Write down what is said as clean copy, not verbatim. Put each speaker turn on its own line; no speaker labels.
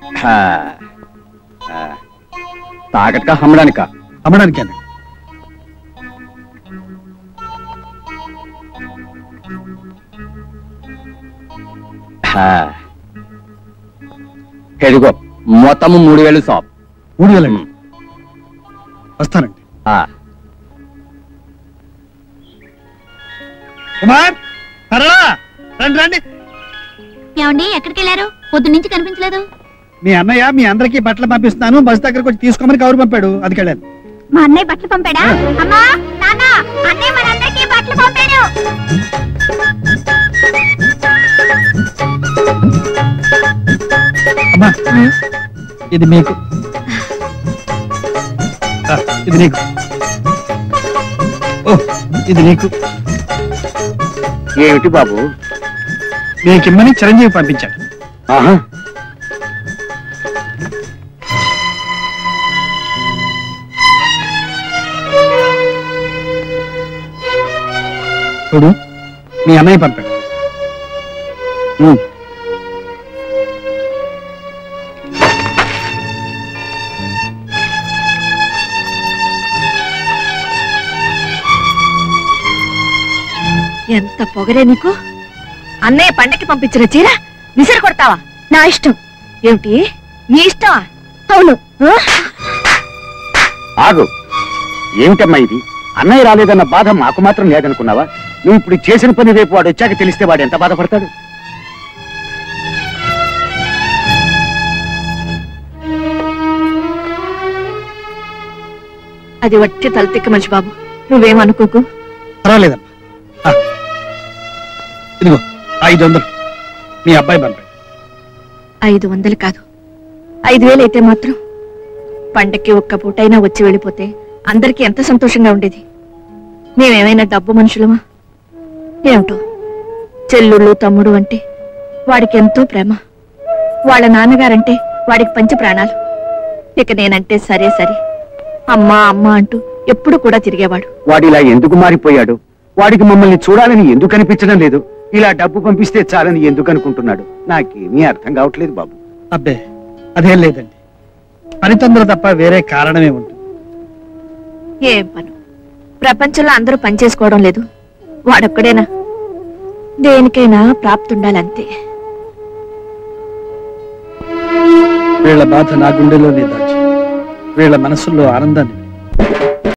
తాకట్కా అమ్మడానికా?
అమ్మడానికేనా?
ఎదుగో మొత్తము 3000 షాప్.
3000 వస్తానండి. కుమార్ రండి.
ఏమండి ఎక్కడికి వెళ్ళారు? పొద్దు నుంచి కనిపించలేదు.
మీ అన్నయ్య మీ అందరికి బట్టలు పంపిస్తున్నాను, బస్ దగ్గరకు వచ్చి తీసుకోమని కవర్ పంపాడు, అది వెళ్ళాను.
మా అన్నయ్య బట్టలు పంపాడా? అమ్మా నాన్న, అన్నయ్య మనందరికీ బట్టలు పంపాడు.
అమ్మా ఇది మీకు, ఇది నీకు, ఓ ఇది నీకు.
ఏమిటి బాబు?
నీకిమ్మని చిరంజీవి పంపించాడు. చూడు మీ అన్నయ్య పంపాడు.
ఎంత పొగరే నీకు! అన్నయ్య పండకి పంపించిన చీర విసిరి కొడతావా?
నా ఇష్టం.
ఏమిటి నీ ఇష్టమా?
అవును.
ఆగు, ఏమిటమ్మా ఇది? అన్నయ్య రాలేదన్న బాధ మాకు మాత్రం లేదనుకున్నావా? నువ్వు ఇప్పుడు చేసిన పని రేపు వాడు వచ్చాక తెలిస్తే వాడు ఎంత బాధపడతాడు?
అది వట్టి తలతిక్క మనిషి బాబు, నువ్వేమనుకోకు.
పర్వాలేదమ్మా. ఇదిగో 500 మీ అబ్బాయి పంపాడు.
500 కాదు, 5000 అయితే మాత్రం పండక్కి ఒక్క పూటైనా వచ్చి వెళ్ళిపోతే అందరికీ ఎంత సంతోషంగా ఉండేది. మేమేమైనా డబ్బు మనుషులమా? ఏమిటో చెల్లుళ్ళు తమ్ముడు అంటే వాడికి ఎంతో ప్రేమ, వాళ్ళ నాన్నగారంటే వాడికి పంచ ప్రాణాలు. ఇక నేనంటే సరే సరే అమ్మా అమ్మా అంటూ ఎప్పుడు కూడా తిరిగేవాడు.
వాడిలా ఎందుకు మారిపోయాడు? వాడికి మమ్మల్ని చూడాలని ఎందుకు అనిపించడం లేదు? ఇలా డబ్బు పంపిస్తే చాలని ఎందుకు అనుకుంటున్నాడు? నాకేమీ అర్థం కావట్లేదు బాబు.
అబ్బే అదేం లేదండి, పని తొందర తప్ప వేరే కారణమే ఉంటుంది.
ఏం పను? ప్రపంచంలో అందరూ పని చేసుకోవడం లేదు, వాడొక్కడేనా? దేనికైనా ప్రాప్తి ఉండాలంతే.
వీళ్ళ బాధ నా గుండెలోనే దాచి వీళ్ళ మనసుల్లో ఆనందాన్ని